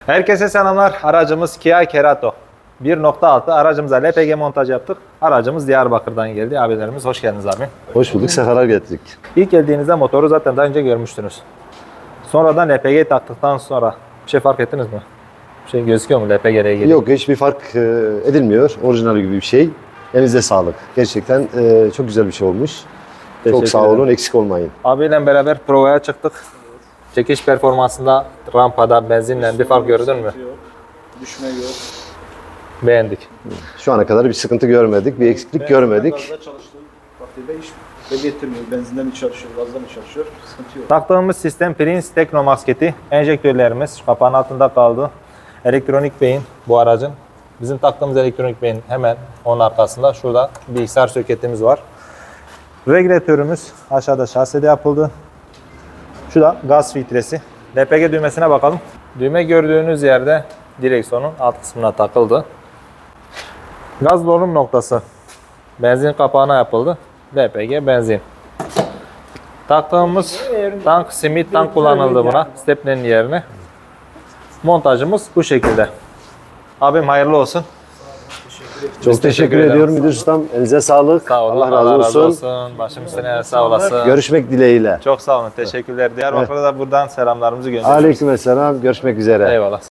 Herkese selamlar. Aracımız Kia Cerato. 1.6 aracımıza LPG montaj yaptık. Aracımız Diyarbakır'dan geldi. Abilerimiz hoş geldiniz abi. Hoş bulduk, sefalar getirdik. İlk geldiğinizde motoru zaten daha önce görmüştünüz. Sonradan LPG taktıktan sonra bir şey fark ettiniz mi? Bir şey gözüküyor mu LPG'ye ilgili? Yok, hiçbir fark edilmiyor. Orijinal gibi bir şey. Elinize sağlık. Gerçekten çok güzel bir şey olmuş. Çok sağ olun, eksik olmayın. Abiyle beraber provaya çıktık. Çekiş performansında rampada benzinle bir fark gördün mü? Düşme yok. Beğendik. Şu ana kadar bir sıkıntı görmedik, bir eksiklik görmedik. Gazda çalıştığı takdirde hiç belli ettirmiyor. Benzinden mi çalışıyor, gazdan mı çalışıyor? Sıkıntı yok. Taktığımız sistem Prince Tekno masketi. Enjektörlerimiz kapağın altında kaldı. Elektronik beyin bu aracın. Bizim taktığımız elektronik beyin hemen onun arkasında. Şurada bilgisayar soketimiz var. Regülatörümüz aşağıda şasede yapıldı. Şu da gaz filtresi. LPG düğmesine bakalım. Düğme gördüğünüz yerde direksiyonun alt kısmına takıldı. Gaz dolum noktası benzin kapağına yapıldı. LPG benzin. Taktığımız tank, simit tank kullanıldı buna. Stepnenin yerine. Montajımız bu şekilde. Abim hayırlı olsun. Çok teşekkür ediyorum müdür ustam. Elinize sağlık. Sağ olun. Allah razı olsun. Başım üstüne sağ olasın. Görüşmek dileğiyle. Çok sağ olun. Teşekkürler. Diyarbakır'a da buradan selamlarımızı gönderiyoruz. Aleykümselam. Görüşmek üzere. Eyvallah.